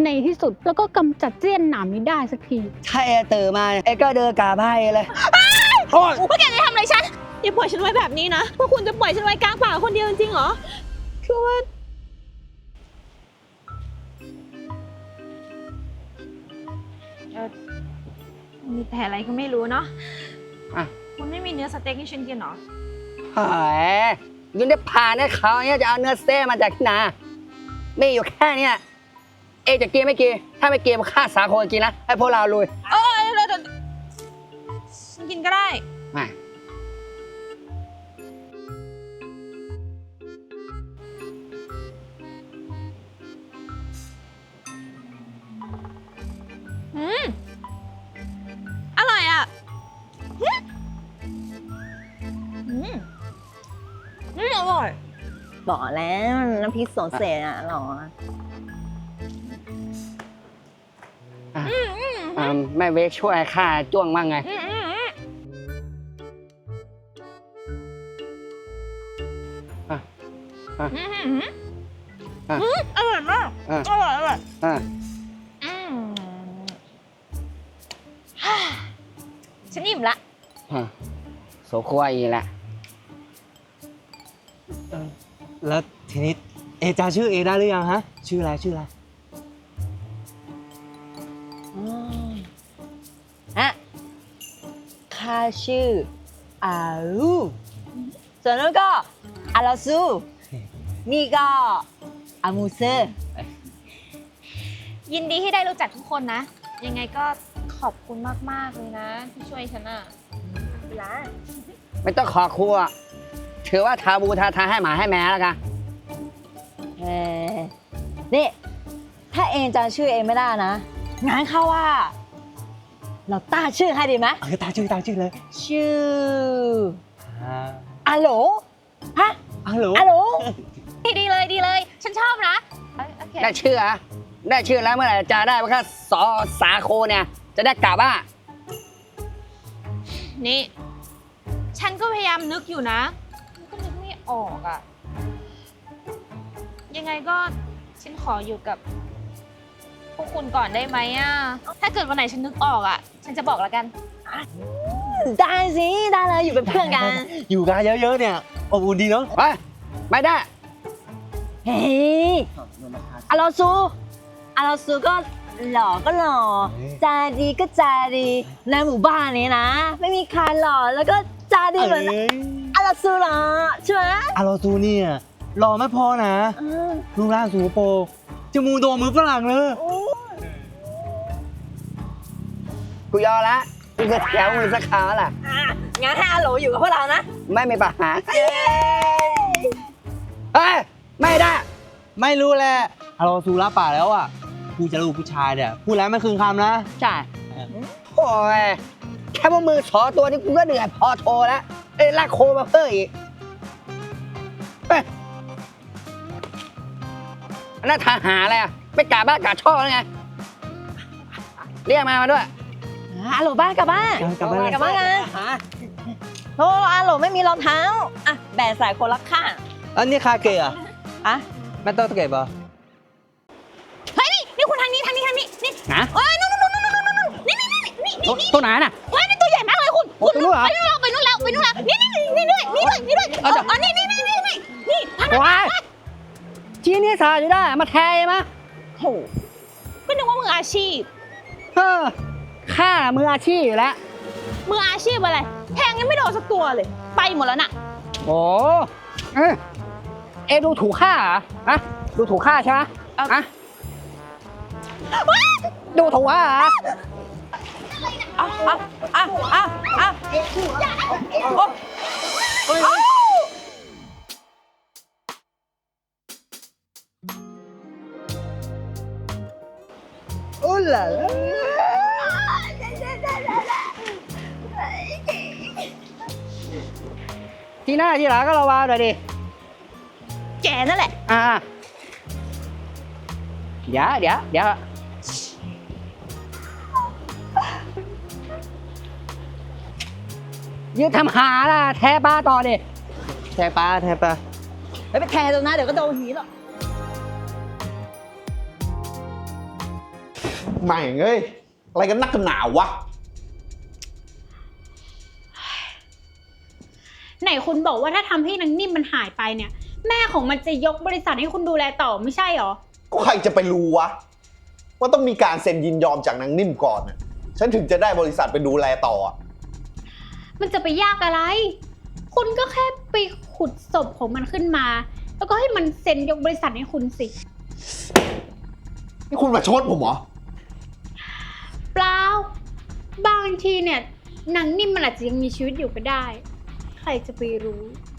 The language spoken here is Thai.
ในที่สุดแล้วก็กำจัดเสี้ยนหนามนี้ได้สักทีถ้าเอตื่นมาเอก็เดินกราบให้เลยโอ้ยพวกแกจะทำอะไรฉันอย่าปล่อยฉันไว้แบบนี้นะพวกคุณจะปล่อยฉันไว้กลางป่าคนเดียวจริงๆเหรอคือว่ามีแต่อะไรก็ไม่รู้เนาะคุณไม่มีเนื้อสเต็กให้ฉันกินเหรอเฮ้ยยุ่งได้ผ่านให้เขาเนี่ยจะเอาเนื้อสเต๊กมาจากที่ไหนมีอยู่แค่เนี้ยเอจะกินไม่กินถ้าไม่กินฆ่าสาคนกินนะให้พวกเราลุยฉันกินก็ได้มาอร่อยอ่ะอร่อยบอกแล้วน้ำพริกสดเสร็จอ่ะหรอแม่เวกช่วยข้าจ้วงมั่งไงอร่อยมากอร่อยฉันอิ่มละโสควายแหละแล้วทีนี้เอจาชื่อเอได้หรือยังฮะชื่ออะไรข้าชื่ออาลูส่วนนู้นก็อาลาซูนี่ก็อามูเซอร์ยินดีที่ได้รู้จักทุกคนนะยังไงก็ขอบคุณมากๆเลยนะที่ช่วยฉันอ่ะไม่ต้องขอครัวถือว่าทาบูทาให้หมาให้แม่แล้วกันนี่ถ้าเองจำชื่อเองไม่ได้นะงั้นเข้าว่าเราตั้งชื่อให้ดีไหมตั้งชื่อเลยชื่ออาโหลฮะอาโหลดีเลยฉันชอบนะได้ชื่อแล้วเมื่อไหร่จะได้ว่าแค่สาโคเนี่ยจะได้กลับว่านี่ฉันก็พยายามนึกอยู่นะก็นึกไม่ออกอ่ะยังไงก็ฉันขออยู่กับพวกคุณก่อนได้ไหมอ่ะถ้าเกิดวันไหนฉันนึกออกอ่ะฉันจะบอกแล้วกันได้สิได้เลยอยู่เป็นเพื่อนกันอยู่กันเยอะๆเนี่ยอบอุ่นดีเนาะไม่ได้เฮ้ยอาลาซูก็หล่อก็หล่อใจดีก็ใจดีในหมู่บ้านนี้นะไม่มีใครหล่อแล้วก็ใจดีเหมือนอาลาซูหรอใช่ไหมอาลาซูเนี่ยหล่อไม่พอนะรูปร่างสูงโปจมูกโด่งมือฝรั่งเลยกูยอมละกูจะแถวมือสักครั้งแล้วล่ะงั้นให้อาโหลอยู่กับพวกเรานะไม่มีปัญหาเฮ้ยไม่ได้ไม่รู้แหละอาลาซูรับปากแล้วอ่ะกูจะลูกผู้ชายเนี่ยพูดแล้วไม่คืนคำนะใช่โอ้ยแค่มือสอตัวนี้กูก็เหนื่อยพอโทรแล้วลากโคมาเพิ่มอีกนั่นทหารอะไรอ่ะไปกาบ้านกาช่อแล้วไงเรียกมาด้วยอาโหลบ้านกลับบ้านกันโอ้อาโหลไม่มีรองเท้าอ่ะแบ่งใส่คนละข้างอันนี้คาเกะอ่ะไม่ต้องเก็บเหรอเฮ้ยนี่คุณทางนี้นี่นะเอ้ยนู่นนี่ตัวไหนน่ะเฮ้ยนี่ตัวใหญ่มากเลยคุณไปนู่นแล้วนี่ด้วยอ๋อนี่ว้ายชี้นี่สาอยู่ได้มาแทงมั้ยโหก็นึกว่ามืออาชีพข้ามืออาชีพอยู่แล้วมืออาชีพอะไรแทงยังไม่โดนสักตัวเลยไปหมดแล้วน่ะโอ้ดูถูกข้าเหรอดูถูกข้าใช่ไหมดูถูกข้าเหรอโอ้ล่ะที่หน้าที่หลังก็ระวังหน่อยดิแกนั่นแหละเดี๋ยวยืดทำหาล่ะแทปลาต่อดิแทปลาไปแทตรงนั้นเดี๋ยวก็โดนหีหรอกไม่เอ้ยอะไรกันนักกันหนาวะไหนคุณบอกว่าถ้าทำให้นางนิ่มมันหายไปเนี่ย แม่ของมันจะยกบริษัทให้คุณดูแลต่อไม่ใช่หรอก็ใครจะไปรู้วะว่าต้องมีการเซ็นยินยอมจากนางนิ่มก่อนน่ะฉันถึงจะได้บริษัทไปดูแลต่ออะมันจะไปยากอะไร คุณก็แค่ไปขุดศพของมันขึ้นมา แล้วก็ให้มันเซ็นยกบริษัทให้คุณสินี่คุณมาชดผมเหรอเปล่า บางทีเนี่ยนางนิ่มมันอาจจะยังมีชีวิตอยู่ก็ได้ ใครจะไปรู้